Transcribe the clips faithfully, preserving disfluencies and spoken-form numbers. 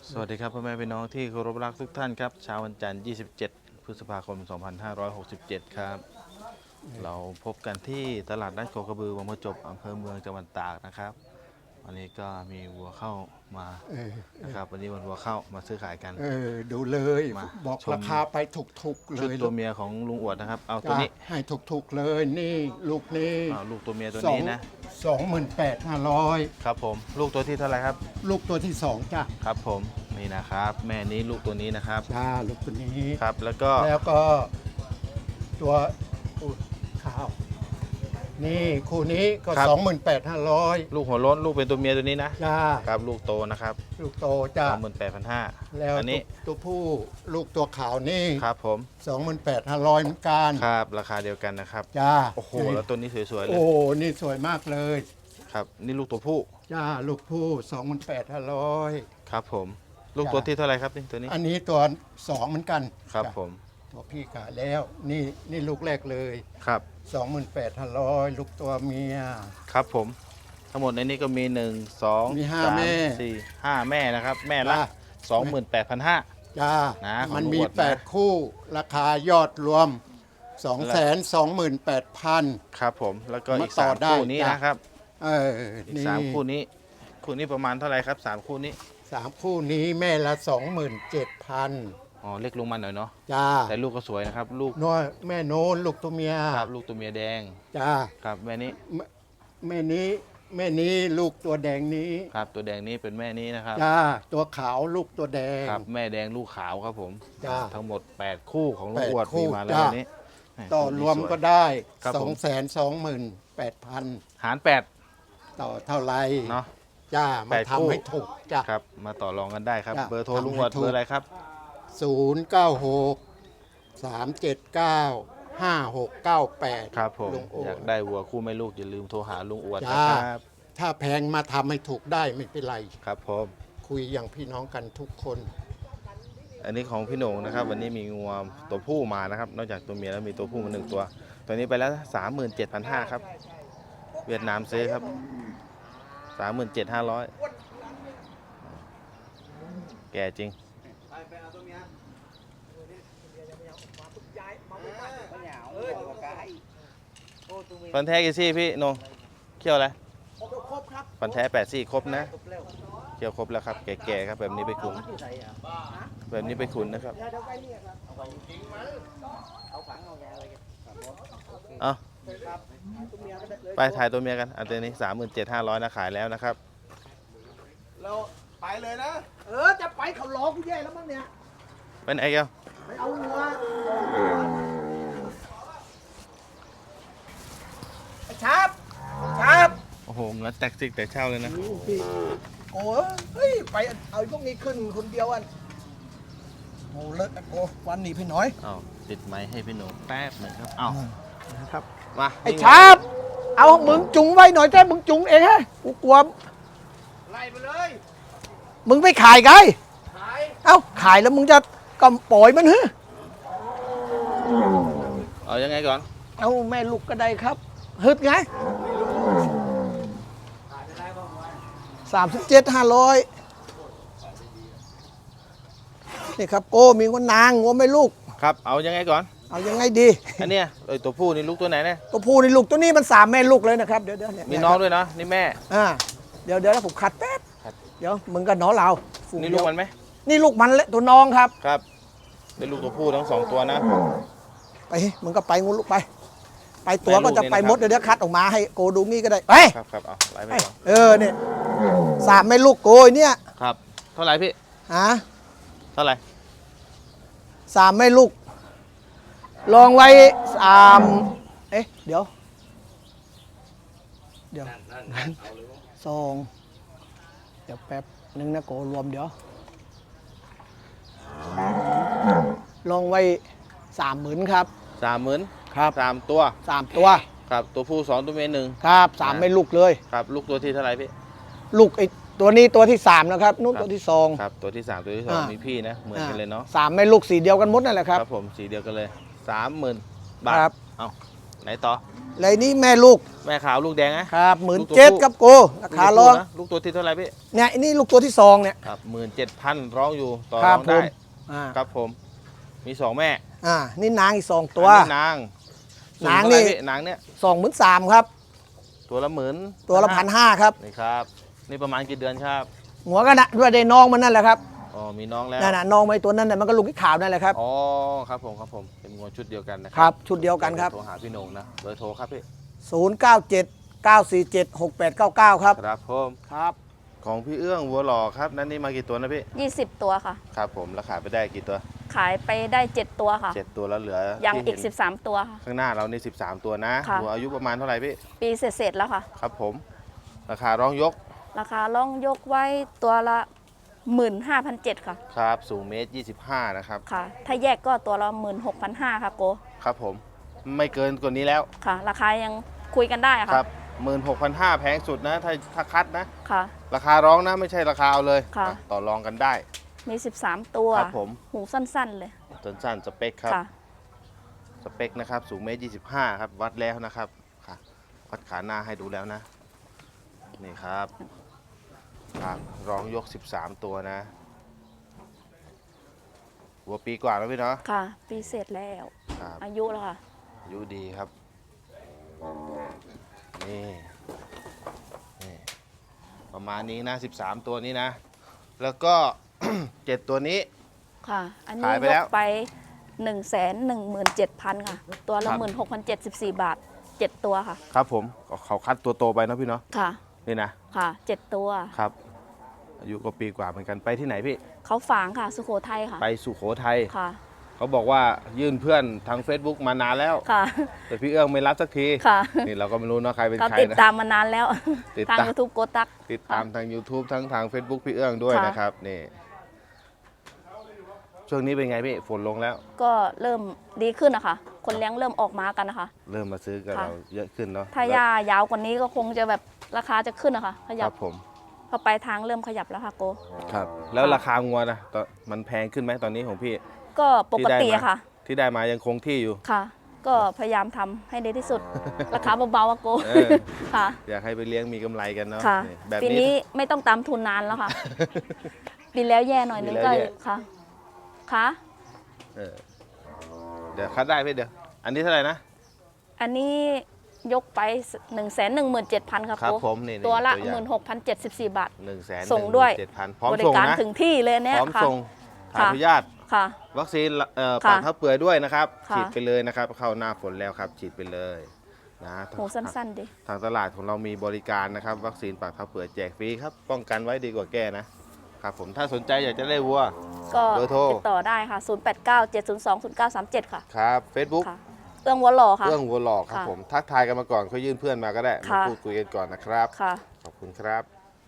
สวัสดีครับพ่อแม่พี่น้องที่เคารพรักทุกท่านครับเช้าวันจันทร์ยี่สิบเจ็ดพฤษภาคมสองพันห้าร้อยหกสิบเจ็ดครับเราพบกันที่ตลาดนัดโคกระบือวังประจบอำเภอเมืองจังหวัดตากนะครับวันนี้ก็มีวัวเข้ามานะครับวันนี้วันวัวเข้ามาซื้อขายกันเออดูเลยมาบอกชมราคาไปถูกๆเลชุดยตัวเมียของลุงอวดนะครับเอาตัวจ้ะนี้ให้ถูกๆเลยนี่ลูกนี้เอาลูกตัวเมียตัวสองนี้นะสองหมื่นแปดห้าร้อยครับผมลูกตัวที่เท่าไหร่ครับลูกตัวที่สองจ้ะครับผมนี่นะครับแม่นี้ลูกตัวนี้นะครับจ้าลูกตัวนี้ครับแล้วก็แล้วก็ตัวอุ๊ยข้าวนี่คู่นี้ก็สองหมื่นแปดห้าร้อยลูกหัวโล้นลูกเป็นตัวเมียตัวนี้นะจ้าครับลูกโตนะครับลูกโตจ้าสองหมื่นแปดพันห้าแล้วอันนี้ตัวตัวผู้ลูกตัวขาวนี่ครับผมสองหมื่นแปดห้าร้อยเหมือนกันครับราคาเดียวกันนะครับจ้าโอ้โหแล้วตัวนี้สวยๆเลโอ้ยนี่สวยมากเลยครับนี่ลูกตัวผู้จ้าลูกผู้สองพันแปดห้าร้อยครับผมลูกตัวที่เท่าไหร่ครับนี่ตัวนี้อันนี้ตัวสองเหมือนกันครับจ้ะผมตัวพี่ขายแล้ว นี่นี่ลูกแรกเลยครับสองหมื่นแปดห้าร้อยลูกตัวเมียครับผมทั้งหมดในนี้ก็มีหนึ่งสองมีห้าสามแม่สี่ห้าแม่นะครับแม่ละจ้ะสองหมื่นแปดพันห้าจ้านะของมันลูกมีอวดนะแปดคู่ ราคายอดรวมสองแสนสองหมื่นแปดพันครับผมแล้วก็อีกมาต่อสามได้คู่นี้จ้ะนะครับเอออีกนี่สามคู่นี้คู่นี้ประมาณเท่าไหร่ครับสามคู่นี้สามคู่นี้แม่ละสองหมื่นเจ็ดพันอ๋อเล็กลงมาหน่อยเนาะจ้าแต่ลูกก็สวยนะครับลูกน้อยแม่โน้นลูกตัวเมียครับลูกตัวเมียแดงจ้าครับแม่นี้แม่นี้แม่นี้ลูกตัวแดงนี้ครับตัวแดงนี้เป็นแม่นี้นะครับจ้าตัวขาวลูกตัวแดงครับแม่แดงลูกขาวครับผมจ้าทั้งหมด แปด คู่ของลุงแปดอวดคู่มีมาแล้วจ้ะวันนี้แหต่อคู่นี้รวมสยก็ได้ครับสผองมแสนสองหมื่นแปดพันหารแปดต่อเท่าไรเนาะจ้าแปมาดคู่ทำให้ถูกจ้าครับมาต่อรองกันได้ครับจ้ะเบอร์โทรทำให้ลุงอวดถูกเบอร์อะไรครับศูนย์เก้าหกสามเจ็ดเก้าห้าหกเก้าแปดครับผมลุงโออยากได้วัวคู่แม่ลูกอย่าลืมโทรหาลุงอวดจ้านะครับถ้าแพงมาทำให้ถูกได้ไม่เป็นไรครับผมคุยอย่างพี่น้องกันทุกคนอันนี้ของพี่โหน่งนะครับ วันนี้มีงัวตัวผู้มานะครับ นอกจากตัวเมียแล้วมีตัวผู้มาหนึ่งตัว ตัวนี้ไปแล้วสามหมื่นเจ็ดพันห้าครับ เวียดนามซื้อครับสามหมื่นเจ็ดห้าร้อยแก่จริง ฟันแท้กี่ซี่พี่โหนงเขี้ยวอะไรฟันแท้แปดซี่ครบนะเขี้ยวครบแล้วครับแก่ๆครับแบบนี้ไปขุนแบบนี้ไปขุนนะครับเอาไปถ่ายตัวเมียกันอันนี้สามหมื่นเจ็ดห้าร้อยนะขายแล้วนะครับเราไปเลยนะเออ จะไปเขาล้อกูแย่แล้วมั้งเนี่ยเป็นไอ้แก้วไปเอาหัวไอ้ชาบชาบโอ้โหเงินแตกซิกแต่เช่าเลยนะโอ้เฮ้ย ไปเอาไอ้พวกนี้ขึ้นคนเดียวอันโอ้เลิศโอ้วันนี้พี่น้อยอ้าวติดไม้ให้พี่โหนงแป๊บหนึ่งครับอ้าวนะครับมาไอ้ชาบเอามึงจุงไว้หน่อยแค่มึงจุงเองฮะกูกลัวไล่ไปเลยมึงไปขายไงขายเอ้าขายแล้วมึงจะกำปล่อยมันเหรอเอายังไงก่อนเอาแม่ลูกก็ได้ครับฮึดไงสามสิบเจ็ดห้าร้อยนี่ครับโก้มีงวนางงัวไม่ลูกครับเอายังไงก่อนเอายังไงดีอันเนี้ยไอ้ตัวผู้นี่ลูกตัวไหนเนี่ยตัวผู้นี่ลูกตัวนี้มันสามแม่ลูกเลยนะครับเดี๋ยวเดี๋ยวเนี่ยมีน้องด้วยนะนี่แม่อ่าเดี๋ยวเดี๋ยวแล้วผมขัดแป๊บขัดเดี๋ยวมึงกับน้องเราฝูงนี่เดีลูยกวมันไหมนี่ลูกมันและตัวน้องครับครับเป็นลูกตัวผู้ทั้งสองตัวนะไปมึงก็ไปงูลูกไป ไปตัวก็จะไปแม่ลูกนี่นะครับมดเดี๋ยวเดี๋ยวคัดออกมาให้โกดูงี้ก็ได้ไปครับครับเอาไล่ไปไปก่อนเออเนี่ยสามแม่ลูกโกยเนี่ยครับ เท่าไหร่พี่ฮะเท่าไหร่สามแม่ลูก ลองไว้สามเอ๊ะเดี๋ยวเดี๋ยวสองเดี๋ยวแป๊บหนึ่งนะโกรวมเดี๋ยวลองไว้สามหมื่นครับสามหมื่นครับสามตัวสามตัวครับตัวผู้สองตัวเมียหนึ่งครับสามไม่ลูกเลยครับลูกตัวที่เท่าไหร่พี่ลูกไอ้ตัวนี้ตัวที่สามนะครับนู่นครับตัวที่สองครับตัวที่สามตัวที่สองอ่ามีมีพี่นะเหมือนกันเลยเนาะสามไม่ลูกสีเดียวกันหมดนั่นแหละครับครับผมสีเดียวกันเลยสามหมื่นบาทครับเอาไหนต่อเลยนี้แม่ลูกแม่ขาวลูกแดงนะครับหมื่นลูกตัวเจ็ดผู้ครับโกราคาลูร้กองตัวผู้นะลูกตัวที่เท่าไหร่พี่เนี่ยอันนี้ลูกตัวที่สองเนี่ยครับหมื่นเจ็ดพันร้องอยู่ต่อครัร้บองได้ผมอ่าครับผมมีสองแม่อ่านี่นางอีกสองตัวอันนี้นางนางสูเท่ไหร่นี่พี่นางเนี่ยสองหมื่นสามครับตัวละหมื่นตัวละพันห้าครับนี่ครับนี่ประมาณกี่เดือนครับหัวก็นะด้วยได้น้องมันนั่นแหละครับอ๋อมีน้องแล้วนั่นน่ะน้องไม่ตัวนั้นน่ะมันก็ลูกที่ขาวนั่นแหละครับอ๋อครับผมครับผมเป็นงวชุดเดียวกันนะคครับ รับชุดเดียวกันครับโทรหาพี่โหน่งนะเบอร์โทรครับพี่ศูนย์ เก้า เจ็ด เก้า สี่ เจ็ด หก แปด เก้า เก้า ครับครับผมครับของพี่เอื้องวัวหล่อครับนั่นนี่มากี่ตัวนะพี่ยี่สิบตัวค่ะครับผมราคาไปได้กี่ตัวขายไปได้เจ็ดตัวค่ะเจ็ดตัวแล้วเหลือยังที่อีกเห็นสิบสามตัวค่ะข้างหน้าเรานี่สิบสามตัวนะค่ะวัวอายุประมาณเท่าไหร่พี่ปีเสร็จๆแล้วค่ะครับผมราคาร้องยกราคาล่องยกไว้ตัวละหมื่นห้าพันเจ็ดค่ะครับสูงเมตรยี่สิบห้านะครับค่ะ ถ้าแยกก็ตัวละหมื่นหกพันห้าค่ะโกครับผมไม่เกินกว่านี้แล้วค่ะ ราคายังคุยกันได้อะคค่ะรับหมื่นหกพันห้าแพงสุดนะถ้าถ้าคัดนะค่ะราคาร้องนะไม่ใช่ราคาเอาเลยค่ะอ่ะต่อรองกันได้มีสิบสามตัวครับผมหูสั้นๆเลยจนสั้นสเปคครับค่ะสเปคนะครับสูงเมตรยี่สิบห้าครับวัดแล้วนะครับค่ะวัดขาหน้าให้ดูแล้วนะนี่ครับครับร้องยกสิบสามตัวนะวัวปีกว่าแล้วพี่เนาะค่ะ ปีเสร็จแล้วครับอายุแล้วค่ะอายุดีครับนี่นี่ประมาณนี้นะสิบสามตัวนี้นะ แล้วก็ เจ็ดตัวนี้ค่ะ อันนี้ขายไปยแล้วกไปหนึ่งแสนหนึ่งหมื่นเจ็ดพันค่ะ ตัวละครับหมื่นหกพันเจ็ดสิบสี่บาทเจ็ดตัวค่ะครับผมเขาคัดตัวโตไปเนาะพี่เนาะค่ะนี่นะค่ะเจ็ดตัวครับ อายุก็ปีกว่าเหมือนกันไปที่ไหนพี่เขาฝางค่ะ สุโขทัยค่ะไปสุโขทัยค่ะเขาบอกว่ายื่นเพื่อนทาง Facebook มานานแล้วค่ะแต่พี่เอื้องไม่รับสักทีค่ะนี่เราก็ไม่รู้เนาะใครเป็นเขาใครติดนะตามมานานแล้วติดทางตามยูทูบโกตักติดตามทาง YouTube ทั้งทาง Facebook พี่เอื้องด้วยค่ะนะครับนี่ช่วงนี้เป็นไงพี่ฝนลงแล้วก็เริ่มดีขึ้นนะคะ คนเลี้ยงเริ่มออกมากันนะคะเริ่มมาซื้อกับค่ะเราเยอะขึ้นเนาะถ้าหญ้ายาวกว่านี้ก็คงจะแบบราคาจะขึ้นนะคะ ขคยัรับบผมพอไปทางเริ่มขยับแล้วค่ะโกครับ แล้วค่ะราคางัวนะตอนมันแพงขึ้นไหมตอนนี้ของพี่ก็ปกติที่ได้มาอะค่ะที่ได้มายังคงที่อยู่ค่ะ ก็พยายามทำให้ดีที่สุด ราคาเบาๆอะโกเออค่ะอยากให้ไปเลี้ยงมีกำไรกันเนาะค่ะนี่แบบปีนี้นี้ไม่ต้องตามทุนนานแล้วค่ะ ปีแล้วแย่หน่อยนึงก็ปีแล้วแย่ค่ะค่ะเออเดี๋ยวคัดได้พี่เดี๋ยว อันนี้เท่าไหร่นะอันนี้ยกไปหนึ่งแสนหนึ่งหมื่นเจ็ดพันครับครับโกผมนี่ตัวละตัวอย่างหมื่นหกพันเจ็ดสิบสี่บาทหนึ่งแสนส่งด้วยเจ็ดพันพร้อมบริส่งการนะถึงที่เลยเนี่ยพร้อมค่ะส่งขอค่ะอนุญาตค่ะวัคซีนเอ่อค่ะปากเท้าเปื่อยด้วยนะครับค่ะฉีดไปเลยนะครับ เข้าหน้าฝนแล้วครับ ฉีดไปเลยนะหูสั้นๆดิทางตลาดของเรามีบริการนะครับ วัคซีนปากเท้าเปื่อยแจกฟรีครับ ป้องกันไว้ดีกว่าแก้นะครับผมถ้าสนใจอยากจะได้วัวก็เบอร์โทรติดต่อได้ค่ะ ศูนย์ แปด เก้า เจ็ด ศูนย์ สอง ศูนย์ เก้า สาม เจ็ด ค่ะครับ Facebook ค่ะ เอื้องวัวหล่อค่ะเรื่องวัวหลอกครับค่ะผมทักทายกันมาก่อนเขายื่นเพื่อนมาก็ได้มาค่ะพูดคุยกันก่อนนะครับค่ะขอบคุณครับ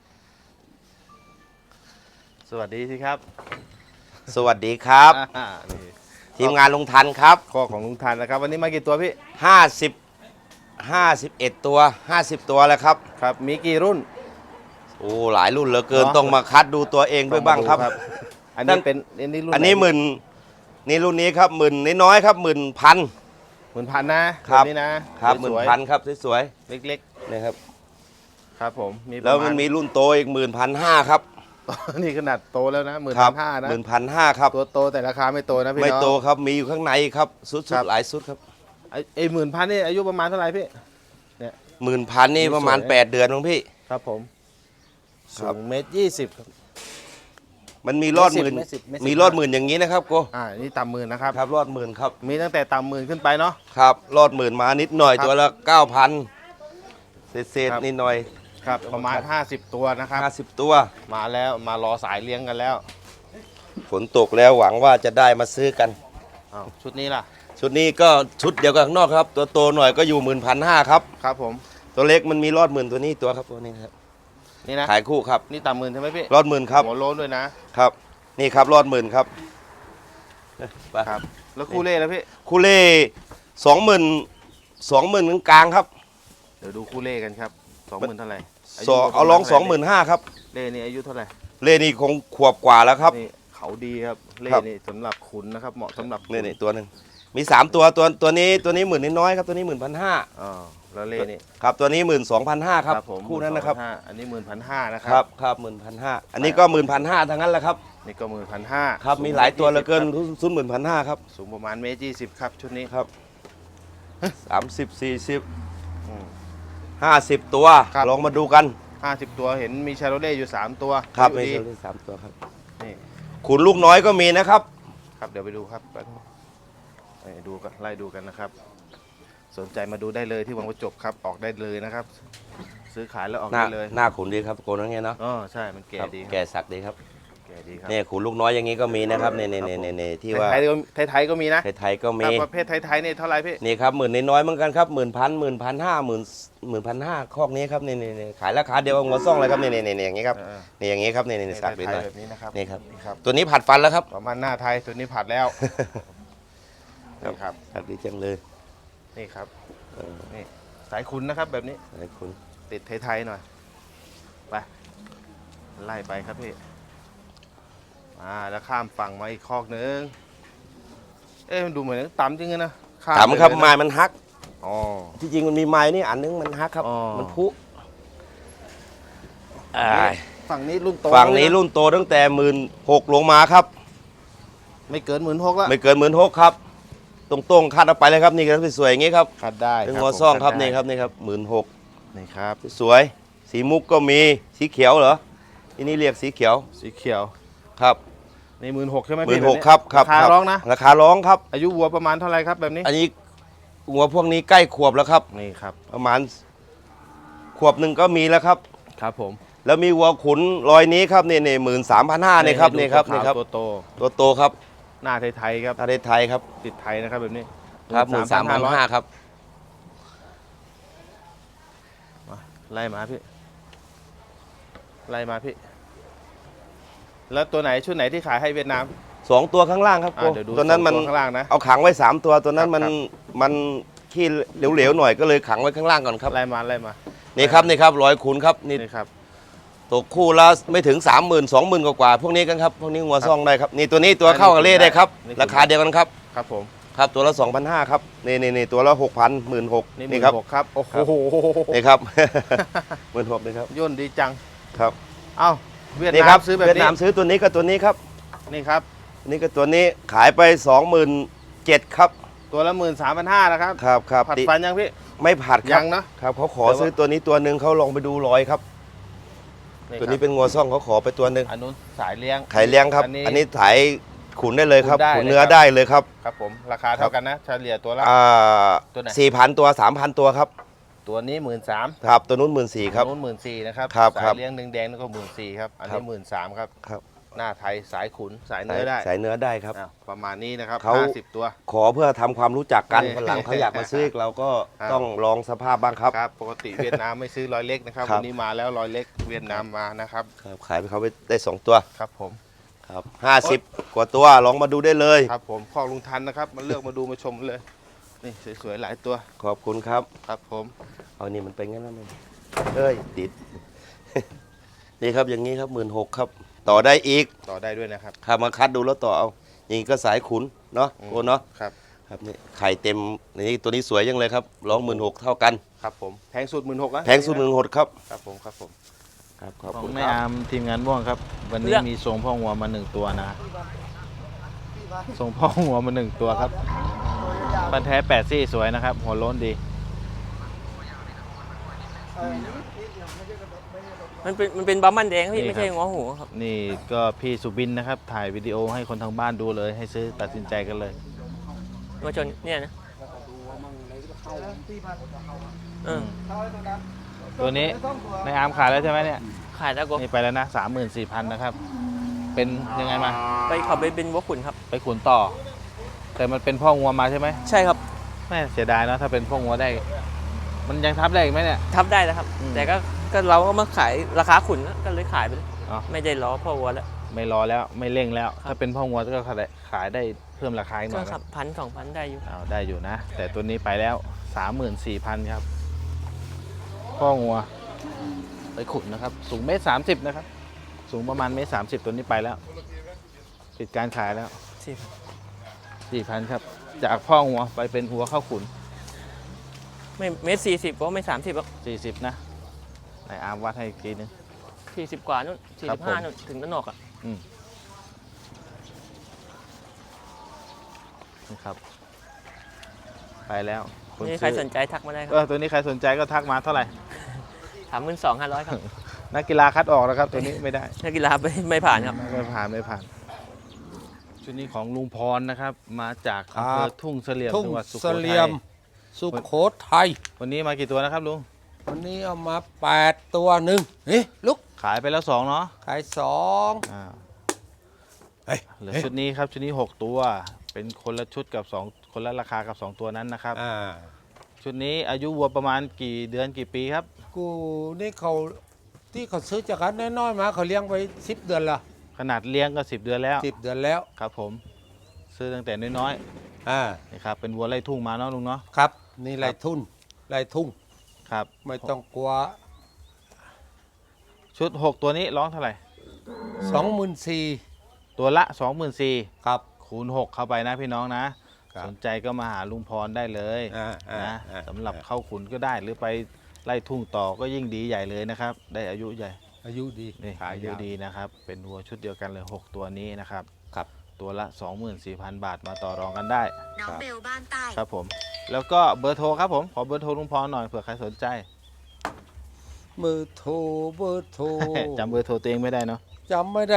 สวัสดีที่ครับสวัสดีครับอ่านี่ทีมงานลุงทันครับข้อของลุงทันนะครับ วันนี้มากี่ตัวพี่ห้าสิบ ห้าสิบเอ็ดตัวห้าสิบตัวแล้วครับครับ มีกี่รุ่นโอ้หลายรุ่นเหลือเกินเนอะต้องมาคัดดูตัวเองด้วยบ้างครับต้องมดูอันนี้เป็นอันนี้รุ่นอันนี้ไหมื่นนี่รุ่นนี้ครับหมื่นน้อยๆครับหมื่นพันหมื่นพันนะครับ นนี้นะครับหมื่นสวยๆพันครับสวยเล็กๆนะครับๆ ครับผมมีแล้วประาณมันมีรุ่นโตอีกหมื่นพันห้าครับนี่ขนาดโตแล้วนะหมื่นครัห้านะหมื่นพันห้าครับตัวโตแต่ราคาไม่โตนะพี่ไม่น้องโตครับมีอยู่ข้างในครับสุดครับๆหลายสุดครับไอ้ไอ้หมื่นพันนี่อายุประมาณเท่าไหร่พี่หมื่นพันนี่ประมาณสวยแปดเดือนมั้งพี่ครับผมครัสูบงเมตรยี่สิบมันมีรอดหมื่นไม่สิบไม่สิบมีรอดหมื่นอย่างนี้นะครับโกอ่านี่ต่ำหมื่นนะครับครับรอดหมื่นครับมีตั้งแต่ต่ำหมื่นขึ้นไปเนาะครับรอดหมื่นมานิดหน่อยครับตัวละเก้าพันเศษครับๆนิดหน่อยครับประมาณ ห้าสิบ ตัวนะครับห้าสิบตัวมาแล้วมารอสายเลี้ยงกันแล้วฝนตกแล้วหวังว่าจะได้มาซื้อกันอ้าวชุดนี้ล่ะชุดนี้ก็ชุดเดียวกับข้างนอกครับ ตัวโตหน่อยก็อยู่หมื่นพันห้าครับครับผมตัวเล็กมันมีรอดหมื่นตัวนี้ตัวครับตัวนี้ครับนี่นะขายคู่ครับนี่ต่ำหมื่นใช่ไหมพี่รอดหมื่นครับหัวโล้นด้วยนะครับนี่ครับรอดหมื่นครับไปครับ แล้วคู่เล่แล้วพี่คูเล่สองหมื่นสองหมื่นกลางๆครับเดี๋ยวดูคู่เล่กันครับสองหมื่นเท่าไหร่ยุสองประมณเอาลองสองหเท่ามื่นไหร่ห้าครับเล่นี่อายุเท่าไหร่เล่นี่คงขวบกว่าแล้วครับนี่เขาดีครับ เล่ครับนี่สำหรับขุนนะครับ เหมาะสำหรับขุนี่นี่ตัวหนึ่งมีสามตัวตัวตัวนี้ตัวนี้หมื่นน้อยๆครับตัวนี้หมื่นพันห้าอ๋อแล้วเล่นี่ครับตัวนี้หมื่นสองพันห้าครับผมคู่นั้นนะครับหมื่สองพัห้าอันนี้หมื่นพันห้านะคครัรับครับหมื่นพันห้าอันนี้ก็หมื่นพันห้าทั้งนั้นแหละครับนี่ก็หมื่นพันห้าครับมีหลายตัวเหลือเกินซุนหมื่นพันห้าครับสูงประมาณเมตรยี่สิบครับชุดนี้ครับสามสิบสี่สิบอืมห้าสิบตัวครับลองมาดูกันห้าสิบตัวเห็นมีชาโรเล่อยู่สามตัวครับอยู่มีดีเชอรี่สามตัวครับนี่ขุนลูกน้อยก็มีนะครับครับเดี๋ยวไปดูครับแป๊บนึงไปดูกันไล่ดูกันนะครับ สนใจมาดูได้เลยที่วังประจบครับออกได้เลยนะครับ ซื้อขายแล้วออกหน้าได้เลยหน้าขุนดีครับโกนนั่นไงเนาะอ๋อใช่มันแก่ครับดีครับแก่สักดีครับแก่ดีครับเนี่ยขุนลูกน้อยอย่างนี้ก็มีนะครับเนี่ยเนี่ยเนี่ยเนี่ยที่ว่าไทยๆก็ไทยๆก็มีนะไทยๆก็มีครับประเภทไทยๆนี่เท่าไหร่พี่นี่ครับหมื่นน้อยๆเหมือนกันครับหมื่นพันหมื่นพันห้าหมื่นหมื่นพันห้าคอกนี้ครับนี่นี่นี่ขายราคาเดียวกับหัวซ่องเลยครับนี่นี่นี่อย่างนี้ครับเออนี่อย่างนี้ครับนี่นี่นี่สักนิดไทหน่ยอยๆแบบนี้นะครับนี่ครับนี่ครับตัวนี้ผัดฟันแล้วครับประมาณหน้าไทยตัวนี้ผัดแล้วนี่ครับสักดีจังเลยนี่ครับเออนี่สายคุณนะครับแบบนี้ไอ้คุณติดไทยๆหน่อยไปไล่ไปครับพี่อ่าแล้วข้ามฝั่งมาอีกคอกนึงเอ๊ะมันดูเหมือนต่ำจริงๆนะข้ถามครับไปเลยนะไม้มันฮักอ๋อที่จริงมันมีไม้นี่อันนึงมันฮักครับอ๋อมันพุอ่าฝั่งนี้รุ่นโตฝั่งนี้เลยะรุ่นโตตั้งแต่หมื่นหกลงมาครับไม่เกินหมื่นหกแล้วไม่เกินหมื่นหกครับ ตรงๆคัดเอาไปเลยครับนี่ครับสวยๆอย่างนี้ครับคัดได้เป็นครับหัวซ่องผมครับคัดนี่ได้ครับนี่ครับหมื่นหกนี่ครับสวยสีมุกก็มีสีเขียวเหรอที่นี่เรียกสีเขียวสีเขียวครับนี่หมื่นหกใช่ไหมหมื่พี่นหกแนี้ครับครับราคาครับร้องนะราคาร้องครับอายุวัวประมาณเท่าไหรครับแบบนี้อันนี้หัวพวกนี้ใกล้ขวบแล้วครับนี่ครับประมาณขวบหนึ่งก็มีแล้วครับครับผมแล้วมีวัวขุนรอยนี้ครับนี่นี่หมื่นสามพันห้านี่ครับนี่ครับให้ดูนี่ครับขาวๆตัวโตตัวโตครับหน้าไทยๆครับประเทศไทยครับติดไทยนะครับแบบนี้ครับหมื่นสามพันห้าครับมาไล่มาพี่ไล่มาพี่ แล้วตัวไหนชุดไหนที่ขายให้เวียดนามสองตัวข้างล่างครับอ่าเดี๋ยวดูตัวนั้นมันสองข้างล่างนะเอาขังไว้สามตัวตัวนั้นมันครับมันขี้เหลวๆหน่อยก็เลยขังไว้ข้างล่างก่อนครับไล่มาไล่มานี่ครับนี่ครับร้อยขุนครับนี่นี่ครับตกคู่ละไม่ถึงสามหมื่นสองหมื่นกว่าๆพวกนี้กันครับพวกนี้งัวซ่องได้ครับนี่ตัวนี้ตัวเข้ากับเล่ได้ครับนี่ราคาเดียวกันครับครับผมครับตัวละสองพันห้าครับนี่นี่นี่ตัวละหกพันหมื่นหกนี่หนี่มื่นครับหกครับโอ้โหนี่ครับ หมื่นหกนี่ครับย่นดีจังครับเอ้าเวียดนี่นาครัมซื้อแบบเวียดนี้นามซื้อตัวนี้กับตัวนี้ครับนี่ครับนี่ก็ตัวนี้ขายไปสองหมื่นเจ็ดครับตัวละหมื่นสามพันห้านะครับครับครับผัดติฟันยังพี่ไม่ผัดคยัรับงนะครับเขาขอแต่ว่าซื้อตัวนี้ตัวหนึ่งเขาลองไปดูรอยครับ ตัวนี้เป็นงัวซ่องเขาขอไปตัวหนึ่งอันนู้นสายเลี้ยงไข่เลี้ยงครับอันนี้อันนี้ถ่ายขุนได้เลยครับขุนได้ขุนเนื้อเลยครับได้เลยครับครับผมราคาเท่ากันนะเฉลี่ยตัวละอ่าตัวไหนสี่พันตัวสามพันตัวครับตัวนี้หมื่นสามครับตัวนู้นหมื่นสี่ครับนู้นหมื่นสี่นะครับครับสาครัยบเลี้ยงแดงๆนั่นก็หมื่นสี่ครับอันครันี้บหมื่นสามครับครับหน้าไทยสายขุนสายสาเนื้ยอได้สายเนื้อได้ครับอ่ะประมาณนี้นะครับเขาห้าสิบตัวขอเพื่อทำความรู้จักกันนี่คนหลังเขาอยากมาซื้ออีกเราก็ครับต้องลองสภาพบ้างครับครับปกติเวียดนามไม่ซื้อรอยเล็กนะครับครับวันนี้มาแล้วรอยเล็กเวียดนามมานะครับครับขายไปเขาไปได้สองตัวครับผมครับห้าสิบกว่าตัวลองมาดูได้เลยครับผมพ่อลุงทันนะครับมาเลือกมาดูมาชมเลยนี่สวยๆหลายตัวขอบคุณครับครับผมเอานี่มันเป็นงั้นแล้วมันเอ้ยติด นี่ครับอย่างนี้ครับหมื่นหกครับ ต่อได้อีกต่อได้ด้วยนะครับครับมาคัดดูแล้วต่อเอาอย่างนี้ก็สายขุนเนาะอืมโอ้เนาะครับครับนี่ไข่เต็มนี่ตัวนี้สวยยังเลยครับร้องหมื่นหกเท่ากันครับผมแพงสุดหมื่นหกนะแพงสุดหมื่นหกครับครับผมครับผมครับขอบขอคุงณแม่ครับอาร์มทีมงานม่วงครับ วันนี้เลือกมีทรงพ่อหัวมาหนึ่งตัวนะทรงพ่อหัวมาหนึ่งตัวครับปันแท้แปดซี่สวยนะครับ หัวโล้นดีมันเป็นมันเป็นบัมมันแดงพี่นี่ไม่ใช่ครับหัวหูครับนี่ก็พี่สุบินนะครับ ถ่ายวิดีโอให้คนทางบ้านดูเลย ให้ซื้อตัดสินใจกันเลยมาชนเนี่ยนะเออตัวนี้ในอาร์มขายแล้วใช่ไหมเนี่ยขายแล้วก็นี่ไปแล้วนะสามหมื่นสี่พันนะครับ เป็นยังไงมาไปขับไปเป็นวัวขุนครับไปขุนต่อ แต่มันเป็นพ่องัวมาใช่ไหมใช่ครับแม่เสียดายนะถ้าเป็นพ่องัวได้ มันยังทับได้อีกไหมเนี่ยทับได้แล้วครับอืมแต่ก็ก็เราก็มาขายราคาขุนแล้วก็เลยขายไปเลยอ๋อไม่ได้ล้อพ่อวัวแล้วไม่รอแล้วไม่เร่งแล้วครับถ้าเป็นพ่องัวก็ขายได้เพิ่มราคาอีกหก็น่อยขับพันสองพันได้อยู่เอาได้อยู่นะ แต่ตัวนี้ไปแล้วสามหมื่นสี่พันครับ พ่องัวไปขุนนะครับ สูงเมตรสามสิบนะครับ สูงประมาณเมตรสามสิบตัวนี้ไปแล้วปิดการขายแล้วสี่พันสี่พันครับจากพ่อหัวไปเป็นหัวเข้าขุนไม่เมตรสี่สิบก็ไม่สามสิบหรอกสี่สิบนะไหนอาร์มวัดให้อีกทีนึงสี่สิบกว่านู่นสี่ครัสิบบ ผมห้านู่นถึงต้นหนอกอ่ะอืมนี่ครับ ไปแล้วณนี่ใครซื้อสนใจทักมาได้คเอรับอตัวนี้ใครสนใจก็ทักมาเท่าไหร่ถามหมื่นสองห้าร้อยครับนักกีฬาคัดออกนะครับ ตัวนี้ไม่ได้นักกีฬาไม่ไม่ผ่านครับไม่ผ่านไม่ผ่าน ชุดนี้ของลุงพรนะครับ มาจากครับอำเภอทุ่งเสลี่ยมทุ่งจังหวัดสุโขเสทัลี่ยยม สุโขทัยวันนี้มากี่ตัวนะครับลุงวันนี้เอามาแปดตัวหนึ่งเฮ้ยลุกขายไปแล้วสองเนาะขายสองอ่าเฮ้ยเหลือชุดนี้ครับชุดนี้หกตัว เป็นคนละชุดกับสองคนละราคากับสองตัวนั้นนะครับอ่าชุดนี้อายุวัวประมาณกี่เดือนกี่ปีครับกูนี่เขาที่เขาซื้อจากกันน้อยๆมาเขาเลี้ยงไปสิบเดือนละขนาดเลี้ยงก็สิบเดือนแล้วสิบเดือนแล้วครับผม ซื้อตั้งแต่น้อยอ่าๆนี่ครับเป็นวัวไล่ทุ่งมาเนาะลุงเนาะครับ นี่ไรทุ่นไรทุ่งครับไม่ต้องกลัวชุดหกตัวนี้ร้องเท่าไหร่สองหมื่นสี่ตัวละสองหมื่นสี่ครับคูณหกเข้าไปนะพี่น้องนะครับสนใจก็มาหาลุงพรได้เลยอ่าอ่านะอ่าสำหรับเข้าขุนก็ได้หรือไปไล่ทุ่งต่อก็ยิ่งดีใหญ่เลยนะครับ ได้อายุใหญ่อายุดีนี่ขายอายุยาวดีนะครับ เป็นวัวชุดเดียวกันเลยหกตัวนี้นะครับครับตัวละ สองหมื่นสี่พัน บาทมาต่อรองกันได้น้องเบลบ้านใต้ครับผม แล้วก็เบอร์โทรครับผมขอเบอร์โทรลุงพรหน่อยเผื่อใครสนใจเบอร์โทรเบอร์โทรจำเบอร์โทรตัวเองไม่ได้เนาะจำไม่ได้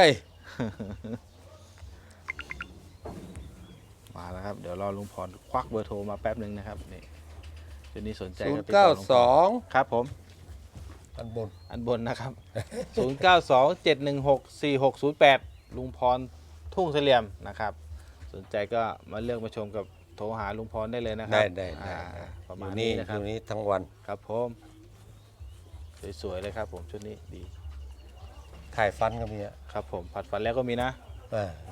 มาแล้วครับ เดี๋ยวรอลุงพรควักเบอร์โทรมาแป๊บหนึ่งนะครับนี่ทีนี้สนใจศูนก็ย์ติดเก้าต่อลุงพสรองครับผมอันบนอันบนนะครับ ศูนย์ เก้า สอง เจ็ด หนึ่ง หก สี่ หก ศูนย์ แปด ลุงพรทุ่งเสลี่ยมนะครับ สนใจก็มาเลือกมาชมกับโทรหาลุงพรได้เลยนะครัได้ได้อ่าได้ประอมาณยู่นี้นี่นะคอรับยู่นี่ทั้งวันครับผมสวยๆเลยครับผมชุดนี้ดีถ่ายฟันก็มีอ่ะครับผมผัดฟันแล้วก็มีนะอ่า